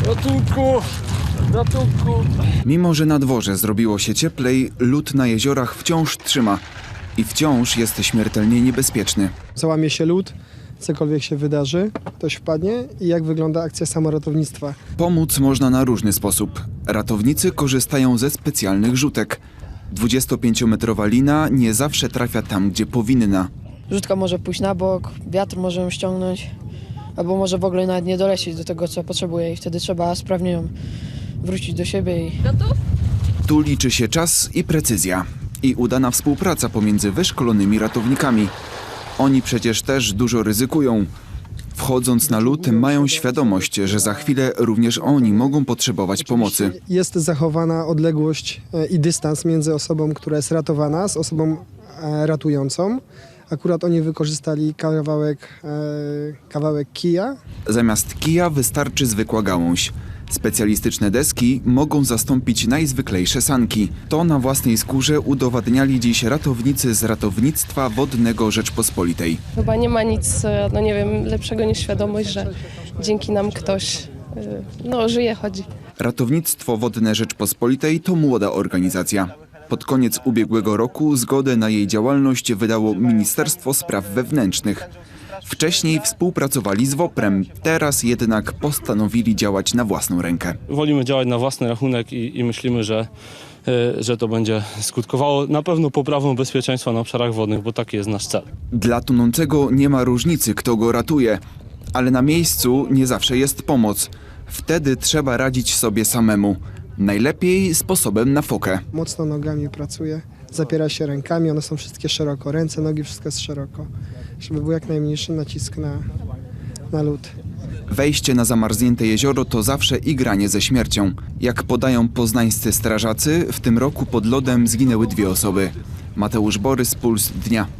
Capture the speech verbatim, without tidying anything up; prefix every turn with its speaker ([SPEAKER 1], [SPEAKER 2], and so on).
[SPEAKER 1] Ratunku! Ratunku!
[SPEAKER 2] Mimo że na dworze zrobiło się cieplej, lód na jeziorach wciąż trzyma i wciąż jest śmiertelnie niebezpieczny.
[SPEAKER 3] Załamie się lód, cokolwiek się wydarzy, ktoś wpadnie i jak wygląda akcja samoratownictwa.
[SPEAKER 2] Pomóc można na różny sposób. Ratownicy korzystają ze specjalnych rzutek. dwudziestopięciometrowa lina nie zawsze trafia tam, gdzie powinna.
[SPEAKER 4] Rzutka może pójść na bok, wiatr może ją ściągnąć, albo może w ogóle nawet nie dolecieć do tego, co potrzebuje i wtedy trzeba sprawnie ją wrócić do siebie. I...
[SPEAKER 2] Tu liczy się czas i precyzja. I udana współpraca pomiędzy wyszkolonymi ratownikami. Oni przecież też dużo ryzykują. Wchodząc na lód, mają świadomość, że za chwilę również oni mogą potrzebować pomocy.
[SPEAKER 3] Jest zachowana odległość e, i dystans między osobą, która jest ratowana, z osobą e, ratującą. Akurat oni wykorzystali kawałek, e, kawałek kija.
[SPEAKER 2] Zamiast kija wystarczy zwykła gałąź. Specjalistyczne deski mogą zastąpić najzwyklejsze sanki. To na własnej skórze udowadniali dziś ratownicy z Ratownictwa Wodnego Rzeczpospolitej.
[SPEAKER 5] Chyba nie ma nic, no nie wiem, lepszego niż świadomość, że dzięki nam ktoś, no, żyje, chodzi.
[SPEAKER 2] Ratownictwo Wodne Rzeczpospolitej to młoda organizacja. Pod koniec ubiegłego roku zgodę na jej działalność wydało Ministerstwo Spraw Wewnętrznych. Wcześniej współpracowali z woprem, teraz jednak postanowili działać na własną rękę.
[SPEAKER 1] Wolimy działać na własny rachunek i, i myślimy, że, y, że to będzie skutkowało na pewno poprawą bezpieczeństwa na obszarach wodnych, bo taki jest nasz cel.
[SPEAKER 2] Dla tonącego nie ma różnicy, kto go ratuje, ale na miejscu nie zawsze jest pomoc. Wtedy trzeba radzić sobie samemu. Najlepiej sposobem na fokę.
[SPEAKER 3] Mocno nogami pracuje, zapiera się rękami, one są wszystkie szeroko, ręce, nogi, wszystko jest szeroko, żeby był jak najmniejszy nacisk na, na lód.
[SPEAKER 2] Wejście na zamarznięte jezioro to zawsze igranie ze śmiercią. Jak podają poznańscy strażacy, w tym roku pod lodem zginęły dwie osoby. Mateusz Borys, Puls Dnia.